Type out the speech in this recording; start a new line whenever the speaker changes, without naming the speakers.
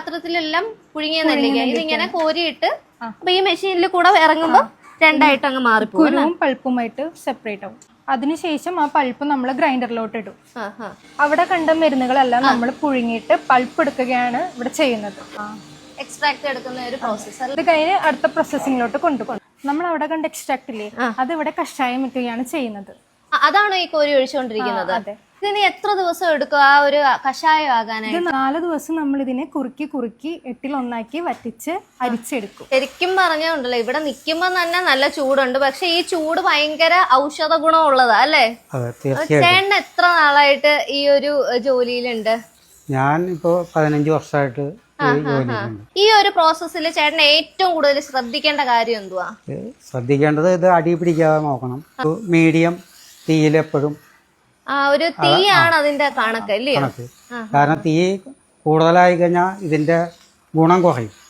പാത്രത്തിലെല്ലാം പുഴുങ്ങിയ നെല്ലിക്ക ഇതിങ്ങനെ കോരിയിട്ട് അപ്പൊ ഈ മെഷീനിൽ കൂടെ ഇറങ്ങുമ്പോ രണ്ടായിട്ട് അങ്ങ് മാറിപ്പോകും.
കുരുവും പൾപ്പുമായിട്ട് സെപ്പറേറ്റ് ആവും. അതിനുശേഷം ആ പൾപ്പ് നമ്മൾ ഗ്രൈൻഡറിലോട്ട് ഇടും. അവിടെ കണ്ട മരുന്നുകളെല്ലാം നമ്മൾ പുഴുങ്ങിയിട്ട് പൾപ്പ് എടുക്കുകയാണ് ഇവിടെ ചെയ്യുന്നത്.
എക്സ്ട്രാക്ട് എടുക്കുന്ന ഒരു പ്രോസസ്സ്.
ഇത് കഴിഞ്ഞ് അടുത്ത പ്രോസസ്സിങ്ങിലോട്ട് കൊണ്ടുപോകും. നമ്മൾ അവിടെ കണ്ട എക്സ്ട്രാക്ട് ഇല്ലേ, അത് ഇവിടെ കഷായം വെക്കുകയാണ് ചെയ്യുന്നത്.
അതാണോ ഈ കോരി ഒഴിച്ചുകൊണ്ടിരിക്കുന്നത്?
അതെ.
ഇതിന് എത്ര ദിവസം എടുക്കും ആ ഒരു കഷായം ആകാനായിട്ട്?
4 ദിവസം നമ്മൾ ഇതിനെ കുറുക്കി എട്ടിലൊന്നാക്കി വറ്റിച്ച് അരിച്ചെടുക്കും.
ശരിക്കും പറഞ്ഞുണ്ടല്ലോ, ഇവിടെ നിൽക്കുമ്പോ തന്നെ നല്ല ചൂടുണ്ട്. പക്ഷെ ഈ ചൂട് ഭയങ്കര ഔഷധ ഗുണമുള്ളതാ അല്ലേ? ചേട്ടൻ എത്ര നാളായിട്ട് ഈ ഒരു ജോലിയിലുണ്ട്?
ഞാൻ ഇപ്പോ 15 വർഷമായിട്ട്
ഈ ഒരു പ്രോസസ്സിൽ ചേട്ടൻ ഏറ്റവും കൂടുതൽ ശ്രദ്ധിക്കേണ്ട കാര്യം എന്തുവാ?
ശ്രദ്ധിക്കേണ്ടത് ഇത് അടി പിടിക്കാതെ നോക്കണം. മീഡിയം തീയിലെപ്പോഴും
ഒരു തീയാണ് അതിന്റെ കണക്ക് അല്ലേ?
കാരണം തീ കൂടുതലായി കഴിഞ്ഞാൽ ഇതിന്റെ ഗുണം കുറയും.